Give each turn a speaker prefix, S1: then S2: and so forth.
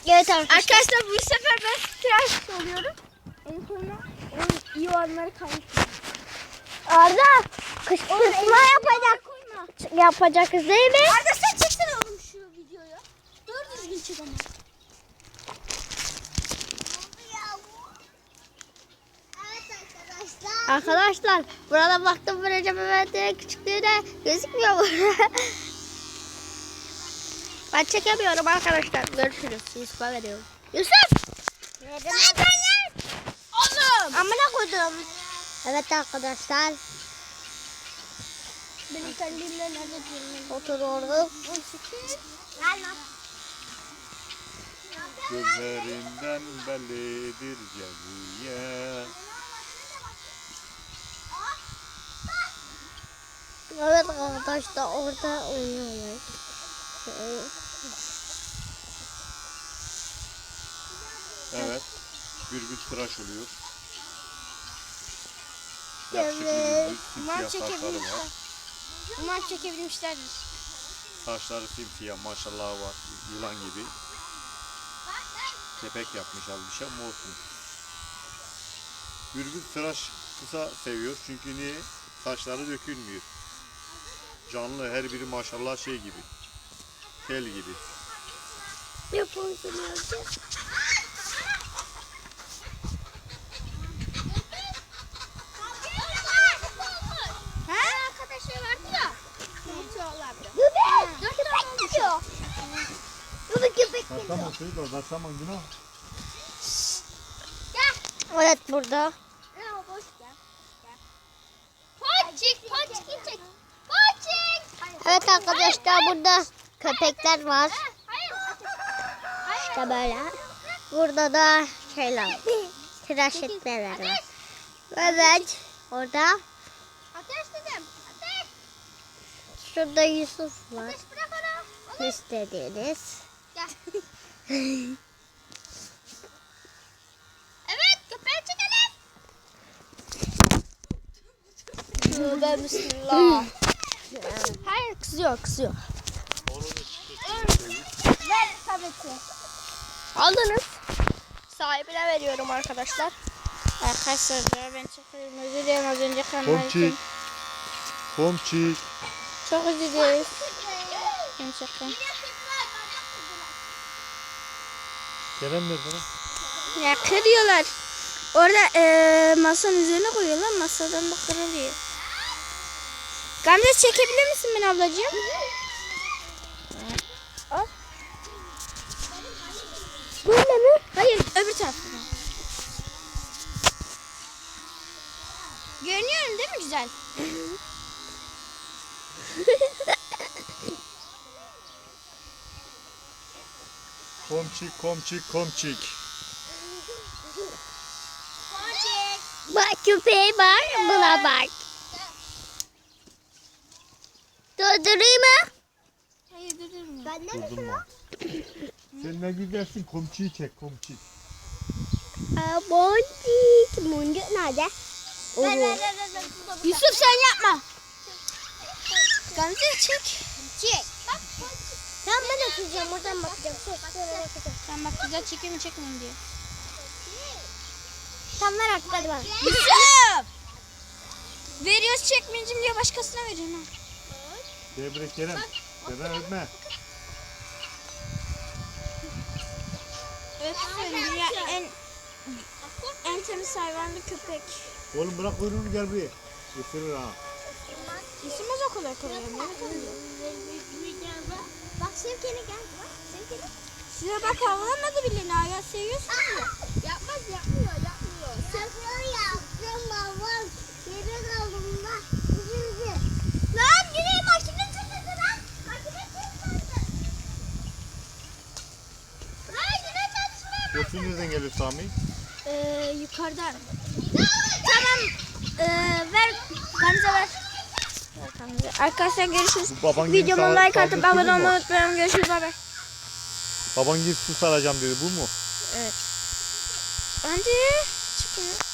S1: Evet arkadaşlar bu sefer ben tıraş oluyorum. En sonunda onun iyi olanları kalmış.
S2: Arda kışkırtma yapacağız değil mi?
S1: Arda sen çeksene oğlum şu videoyu. Doğru düzgün çek ama.
S2: Arkadaşlar burada baktım Recep Mehmet'in küçüklüğüne gözükmüyor mu? Ben çekemiyorum arkadaşlar. Görüşürüz. Yusuf'a veriyorum. Yusuf!
S1: Oğlum!
S2: Amına koydum. Evet arkadaşlar.
S1: Benim kendimle nerede diyorum?
S2: Oturuyoruz.
S3: Gözlerinden bellidir ceviye.
S2: Evet arkadaşlar orada oynuyorlar.
S3: Evet. Gürbüz tıraş oluyor.
S2: Evet.
S3: Yakışıklı
S1: Umarım
S3: gürbüz. Simsiyah saçları
S1: çekebilmişler.
S3: var.
S1: Umarım çekebilmişlerdir.
S3: Saçları simsiyah maşallah var. Yılan gibi. Kepek yapmış az bir şey ama olsun. Gürbüz tıraş kısa seviyor çünkü niye? Saçları dökülmüyor. Canlı her biri maşallah şey gibi. Tel gibi.
S2: Yapalım.
S1: He? Arkadaşlar vardı ya. Unutuyorlar.
S2: Köpek gidiyor. Köpek gidiyor.
S3: Tamam şey de tamam günah.
S2: Evet burada.
S1: Ne o boş gel. Ponçik, ponçik çek. Ponçik.
S2: Evet arkadaşlar burada köpekler var.
S1: Hayır.
S2: İşte böyle. Burada da şeyler. Tıraş etmeler var. Evet. Orada.
S1: Ateş dedim. Ateş.
S2: Şurada Yusuf var.
S1: Ateş bırak onu.
S2: İstediğiniz.
S1: Gel. Evet, köpeği çekelim. Tövbe bismillah. Hayır, kızıyor. Ver tableti.
S2: Aldınız.
S1: Sahibine veriyorum arkadaşlar. Arkadaşlar ben çok özür dilerim az önce kamerayı.
S3: Komçik. Komçik.
S1: Çok özür dileriz. Gerçekten.
S3: Kerem nerede lan?
S1: Ya kırıyorlar. Orada masanın üzerine koyuyorlar. Masadan da kırılıyor. Gamze çekebilir misin beni ablacığım? Al.
S2: Böyle mi?
S1: Hayır öbür taraftan. Görünüyorum değil mi güzel?
S3: Komçik, komçik, komçik.
S2: Bak köpeği var. Buna bak. Durdurayım mı?
S1: Hayır durma.
S2: Ben
S3: Durdurma. Sen ne güzelsin komçiyi çek komçik.
S2: Boncuk. Boncuk nerede?
S1: Yusuf sen yapma. Gamze çek. Çek.
S2: Tamam ben atacağım. Oradan bakacağım.
S1: Sen bak güzel çekiyor mu çekmiyor diye.
S2: Tamam ver artık hadi bana.
S1: Yusuf! Veriyoruz çekmeyeceğim diye başkasına veriyorsun ha.
S3: Debre Kerem. Kerem öpme.
S1: Evet dünya en temiz hayvanlı köpek.
S3: Oğlum bırak kuyruğunu gel buraya. Isırır ha.
S1: İsmimiz o kadar kolay.
S2: Bak Sevken'e gel. Bak Sevken'e.
S1: Size bak havlamadı bile Naga seviyorsunuz ya.
S2: Yapmıyor. Seviyor yaptım baba. Geri kaldım ben. Lan yine makine çıktı lan. Makine çıktı. Lan yine çalışmıyor.
S3: Sesin nereden geliyor Sami?
S1: Yukarıdan. Tamam. Ver. Gamze ver. Arkadaşlar görüşürüz.
S3: Bu baban gibi
S1: Videoma like atıp
S3: sağlıklı
S1: abone
S3: bu mu?
S1: olmayı unutmayın. Görüşürüz. Bay bay.
S3: Baban gibi su saracağım dedi bu mu?
S1: Evet. Bence çıkıyor.